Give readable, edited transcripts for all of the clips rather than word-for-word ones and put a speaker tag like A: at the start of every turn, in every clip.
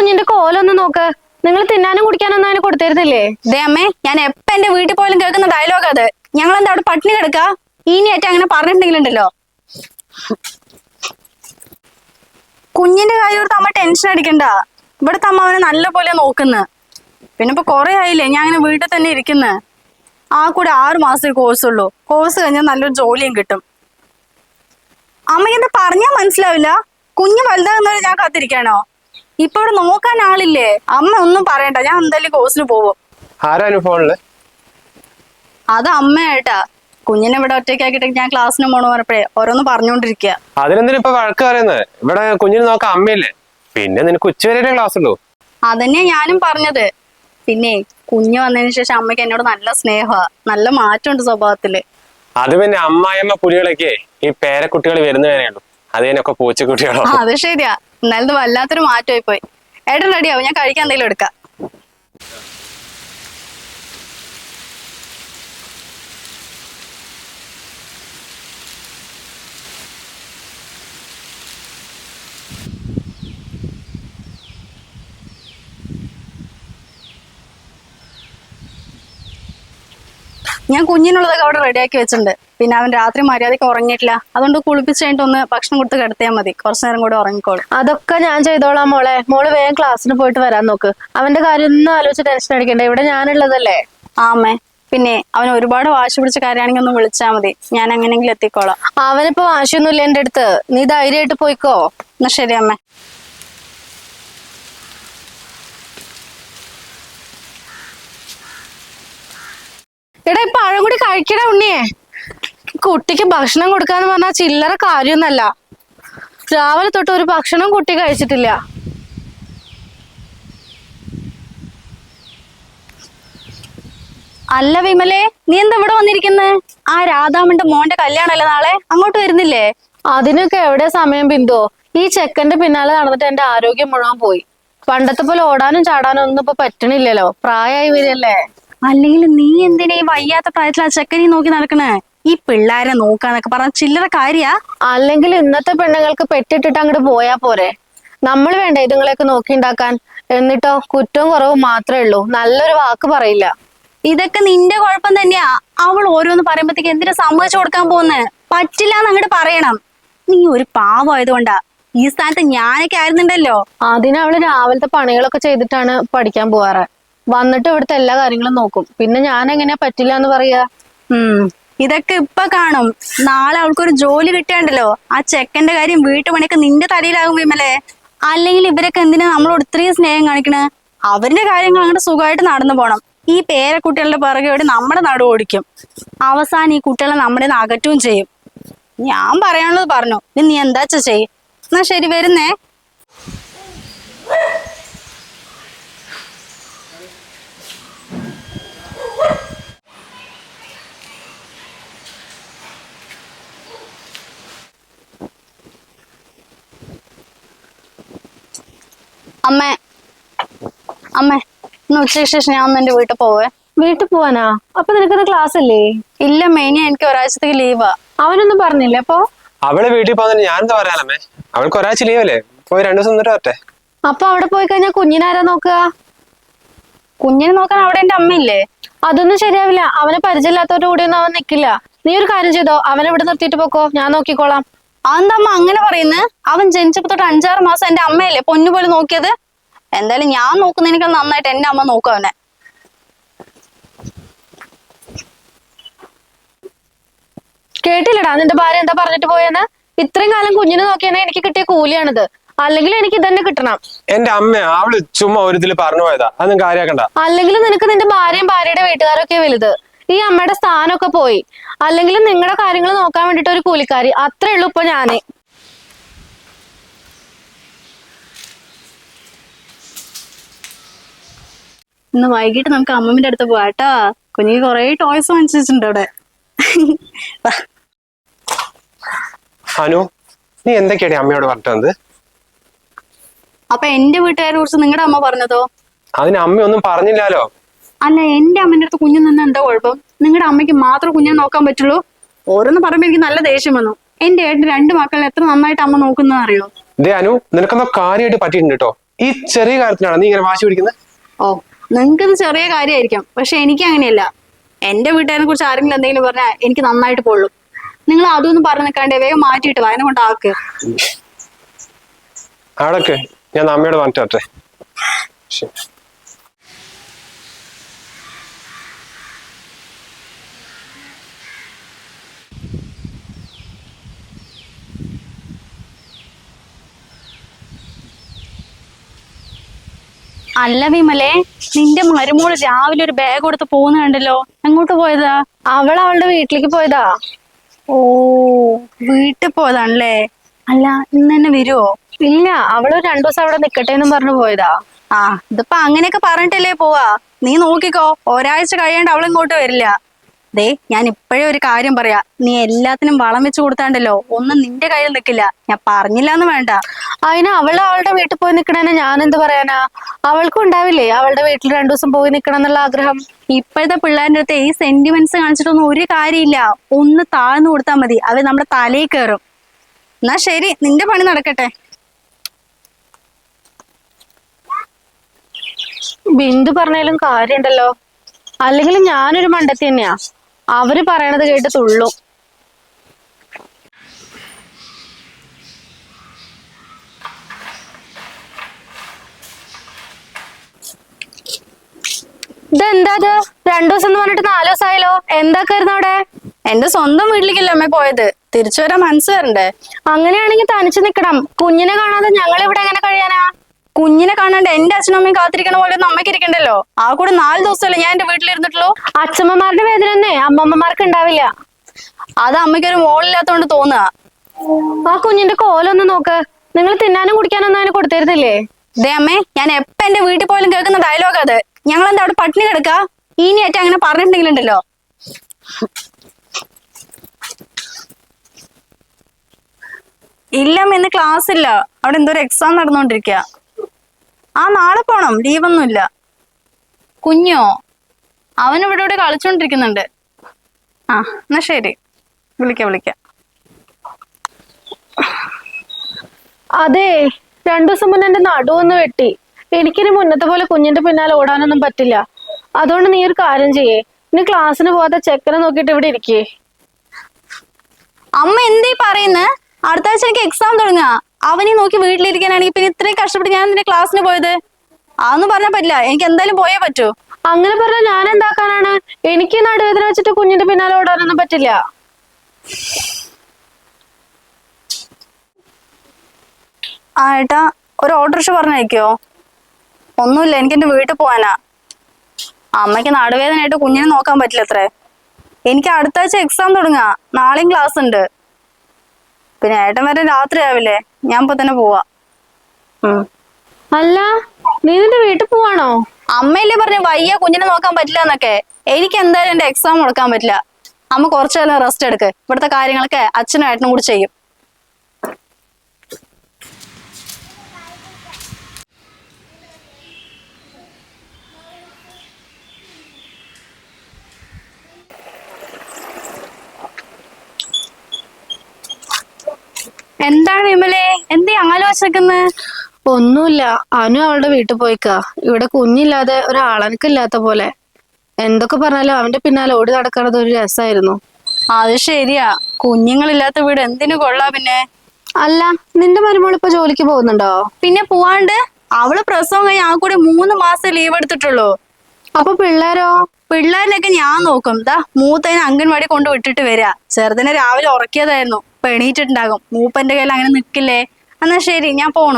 A: കുഞ്ഞിന്റെ കോലൊന്ന് നോക്ക്. നിങ്ങൾ തിന്നാനും കുടിക്കാനൊന്നും അതിന് കൊടുത്തിരുന്നില്ലേ?
B: ദേ അമ്മേ, ഞാൻ എപ്പ എന്റെ വീട്ടിൽ പോലും കേൾക്കുന്ന ഡയലോഗ് അത്. ഞങ്ങൾ എന്താ അവിടെ പട്ടിണി കിടക്ക? ഇനിയായിട്ട് അങ്ങനെ പറഞ്ഞിട്ടുണ്ടെങ്കിലുണ്ടല്ലോ. കുഞ്ഞിന്റെ കാര്യോർത്ത് അമ്മ ടെൻഷൻ അടിക്കണ്ട. ഇവിടുത്തെ അമ്മ അവനെ നല്ല പോലെ നോക്കുന്നു. പിന്നെ ഇപ്പൊ കൊറേ ആയില്ലേ ഞാൻ അങ്ങനെ വീട്ടിൽ തന്നെ ഇരിക്കുന്നത്. ആ കൂടെ 6 മാസത്തെ കോഴ്സ് ഉള്ളൂ. കോഴ്സ് കഴിഞ്ഞാൽ നല്ലൊരു ജോലിയും കിട്ടും. അമ്മയ്ക്ക് എന്താ പറഞ്ഞാ മനസ്സിലാവില്ല? കുഞ്ഞ് വലുതാകുന്നവരെ ഞാൻ കാത്തിരിക്കാനോ? ഇപ്പൊ ഇവിടെ നോക്കാൻ ആളില്ലേ? അമ്മ ഒന്നും പറയണ്ട, ഞാൻ എന്തായാലും കോഴ്സിന് പോവും. അത് അമ്മയായിട്ടാ. കുഞ്ഞിനെ ഇവിടെ ഒറ്റയ്ക്കാക്കിട്ട് ഞാൻ ക്ലാസ്സിന് പോണ പറഞ്ഞപ്പോഴേ ഓരോന്ന് പറഞ്ഞോണ്ടിരിക്കുക.
C: അതിനെന്തിനാ ഇപ്പൊ വഴക്ക് പറയുന്നത്? ഇവിടെ കുഞ്ഞിന് നോക്കാൻ അമ്മയില്ലേ? പിന്നെ നിനക്ക് ഉച്ചവരെ ക്ലാസ് ഉള്ളൂ.
B: അതന്നെയാ ഞാനും പറഞ്ഞത്. പിന്നെ കുഞ്ഞ് വന്നതിന് ശേഷം അമ്മയ്ക്ക് എന്നോട് നല്ല സ്നേഹമാ, നല്ല മാറ്റമുണ്ട് സ്വഭാവത്തില്.
C: അത് പിന്നെ അമ്മായിയമ്മ പുലികളൊക്കെ ഈ പേരക്കുട്ടികൾ വരുന്നവരെ ഉള്ളൂ. അത് കഴിഞ്ഞൊക്കെ പൂച്ചക്കുട്ടികളോ?
B: അത് ശരിയാ. എന്നാലും വല്ലാത്തൊരു മാറ്റമായി പോയി. ഏട്ടൻ റെഡിയാവും, ഞാൻ കഴിക്കാൻ എന്തെങ്കിലും എടുക്കാം. ഞാൻ കുഞ്ഞിനുള്ളതൊക്കെ അവിടെ റെഡിയാക്കി വെച്ചിട്ടുണ്ട്. പിന്നെ അവൻ രാത്രി മര്യാദയ്ക്ക് ഉറങ്ങിയിട്ടില്ല. അതുകൊണ്ട് കുളിപ്പിച്ച് കഴിഞ്ഞിട്ട് ഒന്ന് ഭക്ഷണം കൊടുത്ത് കിടത്തിയാൽ മതി. കുറച്ചു നേരം കൂടെ ഉറങ്ങിക്കോളും.
A: അതൊക്കെ ഞാൻ ചെയ്തോളാം മോളെ. മോള് വേഗം ക്ലാസ്സിന് പോയിട്ട് വരാൻ നോക്ക്. അവന്റെ കാര്യം ഒന്നും ആലോചിച്ച് ടെൻഷൻ അടിക്കണ്ട. ഇവിടെ ഞാനുള്ളതല്ലേ.
B: ആമേ, പിന്നെ അവൻ ഒരുപാട് വാശി പിടിച്ച കാര്യമാണെങ്കിൽ ഒന്ന് വിളിച്ചാൽ മതി. ഞാൻ എങ്ങനെയെങ്കിലും എത്തിക്കോളാം.
A: അവനിപ്പോ വാശിയൊന്നുമില്ല എന്റെ അടുത്ത്. നീ ധൈര്യമായിട്ട് പോയിക്കോ.
B: എന്നാ ശരി അമ്മേ.
A: എടാ ഇപ്പൊ പഴം കൂടി കഴിക്കട ഉണ്ണിയെ. കുട്ടിക്ക് ഭക്ഷണം കൊടുക്കാന്ന് പറഞ്ഞാൽ ചില്ലറ കാര്യമൊന്നല്ല. രാവിലെ തൊട്ട് ഒരു ഭക്ഷണം കുട്ടി കഴിച്ചിട്ടില്ല.
B: അല്ല വിമലേ, നീ എന്താ ഇവിടെ വന്നിരിക്കുന്നത്? ആ രാധാമന്റെ മോന്റെ കല്യാണല്ലേ നാളെ? അങ്ങോട്ട് വരുന്നില്ലേ?
A: അതിനൊക്കെ എവിടെ സമയം ബിന്ദു? ഈ ചെക്കന്റെ പിന്നാലെ നടന്നിട്ട് എന്റെ ആരോഗ്യം മുഴുവൻ പോയി. പണ്ടത്തെ പോലെ ഓടാനും ചാടാനും ഒന്നും ഇപ്പൊ പറ്റണില്ലല്ലോ. പ്രായമായി വരികയല്ലേ.
B: അല്ലെങ്കിൽ നീ എന്തിനാ ഈ വയ്യാത്ത പ്രായത്തിൽ ആ ചെക്കനെ നോക്കി നടക്കണേ? ഈ പിള്ളേരെ നോക്കാന്നൊക്കെ പറഞ്ഞ ചില്ലറ കാര്യാ?
A: അല്ലെങ്കിൽ ഇന്നത്തെ പെണ്ണുങ്ങൾക്ക് പെട്ടിട്ടിട്ട് അങ്ങോട്ട് പോയാ പോരെ? നമ്മൾ വേണ്ട ഇതുങ്ങളെയൊക്കെ നോക്കി ഉണ്ടാക്കാൻ. എന്നിട്ടോ കുറ്റവും കുറവും മാത്രമേ ഉള്ളൂ. നല്ലൊരു വാക്ക് പറയില്ല.
B: ഇതൊക്കെ നിന്റെ കുഴപ്പം തന്നെയാ. അവൾ ഓരോന്ന് പറയുമ്പോഴത്തേക്ക് എന്തിനാ സമ്മതിച്ചു കൊടുക്കാൻ പോകുന്നേ? പറ്റില്ല എന്ന് അങ്ങോട്ട് പറയണം. നീ ഒരു പാവമായതുകൊണ്ടാ. ഈ സ്ഥാനത്ത് ഞാനൊക്കെ ആയിരുന്നുണ്ടല്ലോ.
A: അതിനവള് രാവിലത്തെ പണികളൊക്കെ ചെയ്തിട്ടാണ് പഠിക്കാൻ പോവാറ്. വന്നിട്ട് ഇവിടുത്തെ എല്ലാ കാര്യങ്ങളും നോക്കും. പിന്നെ ഞാൻ എങ്ങനെയാ പറ്റില്ല എന്ന് പറയാ?
B: ഇതൊക്കെ ഇപ്പൊ കാണും. നാളെ അവൾക്കൊരു ജോലി കിട്ടിയാണ്ടല്ലോ, ആ ചെക്കന്റെ കാര്യം വീട്ടുപണിയൊക്കെ നിന്റെ തലയിലാകും വിമലേ. അല്ലെങ്കിൽ ഇവരൊക്കെ എന്തിനാ നമ്മളോട് ഇത്രയും സ്നേഹം കാണിക്കണേ? അവരുടെ കാര്യങ്ങൾ അങ്ങോട്ട് സുഖമായിട്ട് നടന്നു പോണം. ഈ പേരക്കുട്ടികളുടെ പിറകെ നമ്മുടെ നടു ഓടിക്കും. അവസാനം ഈ കുട്ടികളെ നമ്മുടെ അകറ്റുകയും ചെയ്യും. ഞാൻ പറയാനുള്ളത് പറഞ്ഞു. നീ എന്താച്ചാ ചെയ്യും. എന്നാ ശരി, വരുന്നേ. അമ്മേ അമ്മേ, ഇന്ന് ഉച്ചയ്ക്ക് ശേഷം ഞാൻ ഒന്ന് എന്റെ വീട്ടിൽ പോവേ.
A: വീട്ടിൽ പോവാനാ? അപ്പൊ നിനക്കത് ക്ലാസ് അല്ലേ?
B: ഇല്ല മെയിനി, എനിക്ക് ഒരാഴ്ചത്തേക്ക് ലീവാ.
A: അവനൊന്നും പറഞ്ഞില്ല അപ്പൊ?
C: അവള് വീട്ടിൽ പോകുന്നതിന് ഞാൻ എന്താ പറയാനമ്മേ? അവൾക്ക് ഒരാഴ്ച ലീവല്ലേ? പോയി 2 ദിവസം നിന്നിട്ട് വരട്ടെ.
A: അപ്പൊ അവിടെ പോയി കഴിഞ്ഞാൽ കുഞ്ഞിനാരാ നോക്കുക?
B: കുഞ്ഞിനെ നോക്കാൻ അവിടെ എന്റെ അമ്മയില്ലേ?
A: അതൊന്നും ശരിയാവില്ല. അവനെ പരിചയമില്ലാത്തവരുടെ കൂടെ ഒന്നും അവൻ നിക്കില്ല. നീ ഒരു കാര്യം ചെയ്തോ, അവനെ ഇവിടെ നിർത്തിയിട്ട് പോക്കോ. ഞാൻ നോക്കിക്കോളാം.
B: അതെന്താ അമ്മ അങ്ങനെ പറയുന്നത്? അവൻ ജനിച്ചപ്പോ തൊട്ട് 5-6 മാസം എന്റെ അമ്മയല്ലേ പൊന്നുപോലെ നോക്കിയത്. എന്തായാലും ഞാൻ നോക്കുന്നതിനേക്കാൾ നന്നായിട്ട് എന്റെ അമ്മ നോക്കും അവനെ.
A: കേട്ടില്ലടാ നിന്റെ ഭാര്യ എന്താ പറഞ്ഞിട്ട് പോയെന്ന്? ഇത്രയും കാലം കുഞ്ഞിനെ നോക്കിയാൽ എനിക്ക് കിട്ടിയ കൂലിയാണിത്. അല്ലെങ്കിൽ എനിക്ക് ഇതന്നെ കിട്ടണം.
C: എന്റെ അമ്മ അവള് ചുമ്മാ ഒരു ഇതിൽ പറഞ്ഞു പോയതാ. അതൊന്നും കാര്യാക്കണ്ട.
A: അല്ലെങ്കിൽ നിനക്ക് നിന്റെ ഭാര്യയും ഭാര്യയുടെ വീട്ടുകാരൊക്കെ വലുത്. ഈ അമ്മയുടെ സ്ഥാനമൊക്കെ പോയി. അല്ലെങ്കിൽ നിങ്ങളുടെ കാര്യങ്ങൾ നോക്കാൻ വേണ്ടിട്ട് ഒരു കൂലിക്കാരി. അത്രേ ഉള്ളൂ ഇപ്പൊ ഞാന്.
B: ഇന്ന് വൈകിട്ട് നമുക്ക് അമ്മമ്മന്റെ അടുത്ത് പോവാട്ടാ. കുഞ്ഞിക്ക് കൊറേ ടോയ്സ് വാങ്ങിച്ചിട്ടുണ്ട് അവിടെ.
C: അനു, നീ എന്തൊക്കെയാണ് അമ്മയോട് പറഞ്ഞത്?
B: അപ്പൊ എന്റെ വീട്ടുകാരെ കുറിച്ച് നിങ്ങളുടെ അമ്മ പറഞ്ഞതോ?
C: അതിന് അമ്മയൊന്നും പറഞ്ഞില്ലാലോ.
B: അല്ല, എന്റെ അമ്മന്റെ അടുത്ത് കുഞ്ഞു നിന്ന് എന്താ കുഴപ്പം? നിങ്ങളുടെ അമ്മയ്ക്ക് മാത്രം കുഞ്ഞിനെ നോക്കാൻ പറ്റുള്ളൂ? ഓരോന്ന് പറയുമ്പോ എനിക്ക് നല്ല ദേഷ്യം വന്നു. എന്റെ ഏട്ടൻ 2 മക്കളെ എത്ര നന്നായിട്ട് അമ്മ നോക്കുന്ന അറിയോ?
C: ദേ അനു, നിനക്കെന്തോ കാര്യമായിട്ട് പറ്റിയിട്ടുണ്ട് കേട്ടോ. ഈ ചെറിയ കാര്യത്തിനാണ് നീ ഇങ്ങനെ വാശി പിടിക്കുന്നത്?
B: ഓ, നിങ്ങൾക്കിത് ചെറിയ കാര്യമായിരിക്കും, പക്ഷെ എനിക്ക് അങ്ങനെയല്ല. എന്റെ വീട്ടുകാരെ കുറിച്ച് ആരെങ്കിലും എന്തെങ്കിലും പറഞ്ഞാൽ എനിക്ക് നന്നായിട്ട് പൊള്ളും. നിങ്ങൾ അതൊന്നും പറഞ്ഞു നിൽക്കാണ്ട് വേഗം മാറ്റിയിട്ട് അതിനെ കൊണ്ട് ആക്ക്.
C: അവിടൊക്കെ ഞാൻ അമ്മയോട് പറഞ്ഞിട്ടെ. ശരി.
B: അല്ല വിമലെ, നിന്റെ മരുമോള് രാവിലെ ഒരു ബാഗ് കൊടുത്ത് പോകുന്ന കണ്ടല്ലോ, എങ്ങോട്ട് പോയതാ?
A: അവൾ അവളുടെ വീട്ടിലേക്ക് പോയതാ.
B: ഓ, വീട്ടിൽ പോയതാണല്ലേ. അല്ല, ഇന്ന് തന്നെ വരുവോ?
A: ഇല്ല, അവള് 2 ദിവസം അവിടെ നിക്കട്ടെ എന്നും പറഞ്ഞു പോയതാ.
B: ആ, ഇതിപ്പോ അങ്ങനെയൊക്കെ പറഞ്ഞിട്ടല്ലേ പോവാ. നീ നോക്കിക്കോ, ഒരാഴ്ച കഴിയാണ്ട് അവളിങ്ങോട്ട് വരില്ല. ദേ, ഞാൻ ഇപ്പോഴേ ഒരു കാര്യം പറയാ, നീ എല്ലാത്തിനും വളം വെച്ച് കൊടുത്താണ്ടല്ലോ ഒന്നും നിന്റെ കയ്യിൽ നിൽക്കില്ല. ഞാൻ പറഞ്ഞില്ലാന്ന് വേണ്ട.
A: അതിന് അവള് അവളുടെ വീട്ടിൽ പോയി നിക്കണേനെ ഞാൻ എന്ത് പറയാനാ? അവൾക്കും ഉണ്ടാവില്ലേ അവളുടെ വീട്ടിൽ 2 ദിവസം പോയി നിക്കണം എന്നുള്ള ആഗ്രഹം?
B: ഇപ്പോഴത്തെ പിള്ളേരുടെ അടുത്ത് ഈ സെന്റിമെന്റ്സ് കാണിച്ചിട്ടൊന്നും ഒരു കാര്യമില്ല. ഒന്ന് താഴ്ന്നു കൊടുത്താൽ മതി, അത് നമ്മുടെ തലയിൽ കയറും. എന്നാ ശരി, നിന്റെ പണി നടക്കട്ടെ.
A: ബിന്ദു പറഞ്ഞാലും കാര്യമുണ്ടല്ലോ. അല്ലെങ്കിൽ ഞാനൊരു മണ്ടത്തി തന്നെയാ. അവര് പറയണത് കേട്ട് തുള്ളും. ഇതെന്താ ഇത്? 2 ദിവസം എന്ന് പറഞ്ഞിട്ട് 4 ദിവസമായല്ലോ. എന്താക്കായിരുന്നു അവിടെ?
B: എന്റെ സ്വന്തം വീട്ടിലേക്കല്ലേ അമ്മ പോയത്, തിരിച്ചു വരാൻ മനസ്സ് വരണ്ടേ?
A: അങ്ങനെയാണെങ്കിൽ തനിച്ച് നിക്കണം. കുഞ്ഞിനെ കാണാതെ ഞങ്ങൾ ഇവിടെ എങ്ങനെ കഴിയാനാ?
B: കുഞ്ഞിനെ കാണാണ്ട് എന്റെ അച്ഛനും അമ്മയും കാത്തിരിക്കണ പോലെ ഒന്നും അമ്മയ്ക്ക് ഇരിക്കണ്ടല്ലോ. ആ കൂടെ 4 ദിവസമല്ലേ ഞാൻ എന്റെ വീട്ടിലിരുന്നിട്ടുള്ളൂ.
A: അച്ഛമ്മമാരുടെ വേദന തന്നെ അമ്മമ്മമാർക്ക് ഉണ്ടാവില്ല.
B: അത് അമ്മയ്ക്കൊരു മോളില്ലാത്തോണ്ട് തോന്നുക.
A: ആ കുഞ്ഞിന്റെ കോലൊന്ന് നോക്ക്. നിങ്ങൾ തിന്നാനും കുടിക്കാനൊന്നും അതിന് കൊടുത്തിരുന്നില്ലേ?
B: ദേ അമ്മേ, ഞാൻ എപ്പ എന്റെ വീട്ടിൽ പോയാലും കേൾക്കുന്ന ഡയലോഗ് അത്. ഞങ്ങൾ എന്താ അവിടെ പട്ടിണി കിടക്ക? ഇനിയായിട്ട് അങ്ങനെ പറഞ്ഞിട്ടുണ്ടെങ്കിലുണ്ടല്ലോ. ഇല്ലമ്മ, ഇന്ന് ക്ലാസ് ഇല്ല. അവിടെ എന്തോ ഒരു എക്സാം നടന്നുകൊണ്ടിരിക്കുക. ആ, നാളെ പോണം, ലീവൊന്നുമില്ല. കുഞ്ഞോ? അവൻ ഇവിടെ കളിച്ചോണ്ടിരിക്കുന്നുണ്ട്. ആ, എന്നാ ശരി, വിളിക്കാം.
A: അതെ, 2 ദിവസം മുന്നേ എന്റെ നടുവൊന്ന് വെട്ടി. എനിക്കിനി മുന്നത്തെ പോലെ കുഞ്ഞിന്റെ പിന്നാലെ ഓടാനൊന്നും പറ്റില്ല. അതുകൊണ്ട് നീ ഒരു കാര്യം ചെയ്യേ, ഇനി ക്ലാസ്സിന് പോകാതെ ചെക്കനെ നോക്കിയിട്ട് ഇവിടെ ഇരിക്കേ.
B: അമ്മ എന്തീ പറയുന്നത്? അടുത്ത ആഴ്ച എനിക്ക് എക്സാം തുടങ്ങുക. അവനെ നോക്കി വീട്ടിലിരിക്കാനാണെങ്കിൽ പിന്നെ ഇത്രയും കഷ്ടപ്പെട്ട് ഞാൻ നിന്റെ ക്ലാസ്സിന് പോയത്. അതൊന്നും പറഞ്ഞാൽ പറ്റില്ല, എനിക്ക് എന്തായാലും പോയേ പറ്റൂ.
A: അങ്ങനെ പറഞ്ഞാൽ ഞാൻ എന്താക്കാനാണ്? എനിക്ക് നടുവേദന വെച്ചിട്ട് കുഞ്ഞിന്റെ പിന്നാലെ ഓടാനൊന്നും പറ്റില്ല.
B: ആ ഏട്ടാ, ഒരു ഓട്ടോറിക്ഷ പറഞ്ഞയക്കോ? ഒന്നുമില്ല, എനിക്ക് എന്റെ വീട്ടിൽ പോവാനാ. അമ്മയ്ക്ക് നടുവേദനയായിട്ട് കുഞ്ഞിനെ നോക്കാൻ പറ്റില്ല അത്രേ. എനിക്ക് അടുത്ത ആഴ്ച എക്സാം തുടങ്ങുക, നാളെയും ക്ലാസ് ഉണ്ട്. പിന്നെ ഏട്ടൻ വരെ രാത്രി ആവില്ലേ, ഞാൻ ഇപ്പൊ തന്നെ പോവാ.
A: അല്ല, നീ നിന്റെ വീട്ടിൽ പോവാണോ?
B: അമ്മയല്ലേ പറഞ്ഞു വയ്യ കുഞ്ഞിനെ നോക്കാൻ പറ്റില്ല എന്നൊക്കെ. എനിക്ക് എന്തായാലും എന്റെ എക്സാം മുടക്കാൻ പറ്റില്ല. അമ്മ കുറച്ചു നേരം റെസ്റ്റ് എടുക്ക്. ഇവിടുത്തെ കാര്യങ്ങളൊക്കെ അച്ഛനും ഏട്ടനും കൂടി ചെയ്യും. എന്താണ് വിമലേ, എന്തേ ആലോചിക്കുന്നത്?
A: ഒന്നുമില്ല, അനു അവളുടെ വീട്ടിൽ പോയിക്കാ. ഇവിടെ കുഞ്ഞില്ലാതെ ഒരാളനക്കില്ലാത്ത പോലെ. എന്തൊക്കെ പറഞ്ഞാലും അവന്റെ പിന്നാലെ ഓടി നടക്കണത് ഒരു രസമായിരുന്നു.
B: അത് ശരിയാ, കുഞ്ഞുങ്ങളില്ലാത്ത വീട് എന്തിനു കൊള്ളാ പിന്നെ.
A: അല്ല, നിന്റെ മരുമോൾ ഇപ്പൊ ജോലിക്ക് പോകുന്നുണ്ടോ?
B: പിന്നെ പോവാണ്ട്, അവള് പ്രസവം കഴിഞ്ഞ് ആ കൂടി 3 മാസം ലീവ് എടുത്തിട്ടുള്ളൂ.
A: അപ്പൊ പിള്ളേരോ?
B: പിള്ളേരിനൊക്കെ ഞാൻ നോക്കും. മൂത്തതിനെ അംഗൻവാടി കൊണ്ട് വിട്ടിട്ട് വരിക. ചെറുതിനെ രാവിലെ ഉറക്കിയതായിരുന്നു, ഇപ്പൊ എണീറ്റിട്ടുണ്ടാകും. മൂപ്പന്റെ കയ്യിൽ അങ്ങനെ നിക്കില്ലേ. എന്നാ ശരി, ഞാൻ പോണു.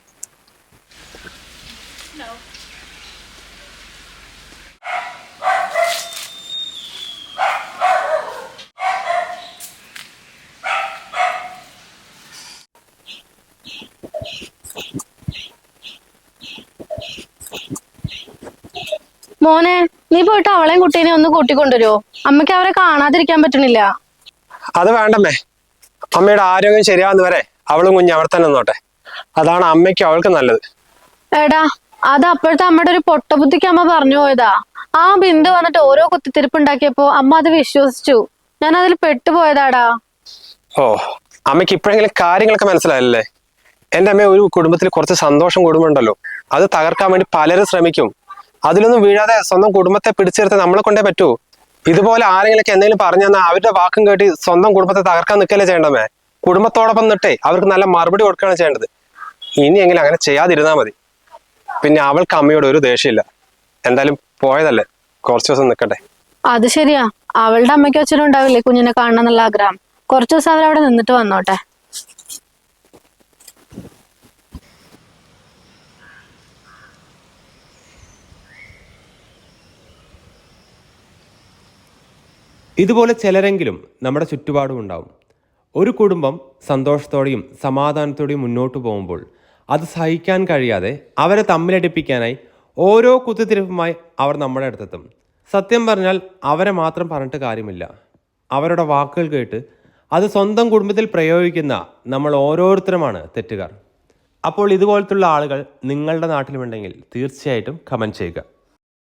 A: മോനെ, നീ പോയിട്ട് അവളെയും കുട്ടീനെ ഒന്ന് കൂട്ടിക്കൊണ്ടുവരുമോ? അമ്മയ്ക്ക് അവരെ കാണാതിരിക്കാൻ പറ്റണില്ല.
C: അത് വേണ്ടമ്മേ. അമ്മയുടെ ആരോഗ്യം ശരിയാവുന്ന വരെ അവളും കുഞ്ഞ് അവിടെ തന്നെ നിന്നോട്ടെ. അതാണ് അമ്മയ്ക്ക് അവൾക്ക് നല്ലത്.
A: എടാ, അത് അപ്പോഴത്തെ അമ്മയുടെ ഒരു പൊട്ടബുദ്ധിക്ക് അമ്മ പറഞ്ഞു പോയതാ. ആ ബിന്ദു വന്നിട്ട് ഓരോ കുത്തിത്തിരിപ്പ് ഉണ്ടാക്കിയപ്പോ അമ്മ അത് വിശ്വസിച്ചു. ഞാൻ അതിൽ പെട്ടുപോയതാടാ.
C: ഓ, അമ്മയ്ക്ക് ഇപ്പോഴെങ്കിലും കാര്യങ്ങളൊക്കെ മനസ്സിലായല്ലേ? എന്റെ അമ്മ, ഒരു കുടുംബത്തിൽ കുറച്ച് സന്തോഷം കൂടുമ്പോണ്ടല്ലോ അത് തകർക്കാൻ വേണ്ടി പലരും ശ്രമിക്കും. അതിലൊന്നും വീഴാതെ സ്വന്തം കുടുംബത്തെ പിടിച്ചെടുത്ത് നമ്മളെ കൊണ്ടേ പറ്റൂ. ഇതുപോലെ ആരെങ്കിലൊക്കെ എന്തെങ്കിലും പറഞ്ഞു തന്നാൽ അവരുടെ വാക്കും കേട്ടി സ്വന്തം കുടുംബത്തെ തകർക്കാൻ നിൽക്കല്ലേ ചെയ്യേണ്ടമേ. കുടുംബത്തോടൊപ്പം നിട്ടേ അവർക്ക് നല്ല മറുപടി കൊടുക്കുകയാണ് ചെയ്യേണ്ടത്. ഇനിയെങ്കിലും അങ്ങനെ ചെയ്യാതിരുന്നാൽ മതി. പിന്നെ അവൾക്ക് അമ്മയോട് ഒരു ദേഷ്യമില്ല. എന്തായാലും പോയതല്ലേ, കുറച്ചു ദിവസം നിൽക്കട്ടെ.
A: അത് ശരിയാ, അവളുടെ അമ്മയ്ക്കും അച്ഛനും ഉണ്ടാവില്ലേ കുഞ്ഞിനെ കാണണം എന്നുള്ള ആഗ്രഹം. കുറച്ചു ദിവസം അവരവിടെ നിന്നിട്ട് വന്നോട്ടെ.
D: ഇതുപോലെ ചിലരെങ്കിലും നമ്മുടെ ചുറ്റുപാടും ഉണ്ടാവും. ഒരു കുടുംബം സന്തോഷത്തോടെയും സമാധാനത്തോടെയും മുന്നോട്ട് പോകുമ്പോൾ അത് സഹിക്കാൻ കഴിയാതെ അവരെ തമ്മിലടിപ്പിക്കാനായി ഓരോ കുത്തിത്തിരിപ്പുമായി അവർ നമ്മുടെ അടുത്തെത്തും. സത്യം പറഞ്ഞാൽ അവരെ മാത്രം പറഞ്ഞിട്ട് കാര്യമില്ല. അവരുടെ വാക്കുകൾ കേട്ട് അത് സ്വന്തം കുടുംബത്തിൽ പ്രയോഗിക്കുന്ന നമ്മൾ ഓരോരുത്തരുമാണ് തെറ്റുകാർ. അപ്പോൾ ഇതുപോലത്തുള്ള ആളുകൾ നിങ്ങളുടെ നാട്ടിലുമുണ്ടെങ്കിൽ തീർച്ചയായിട്ടും കമൻറ്റ് ചെയ്യുക.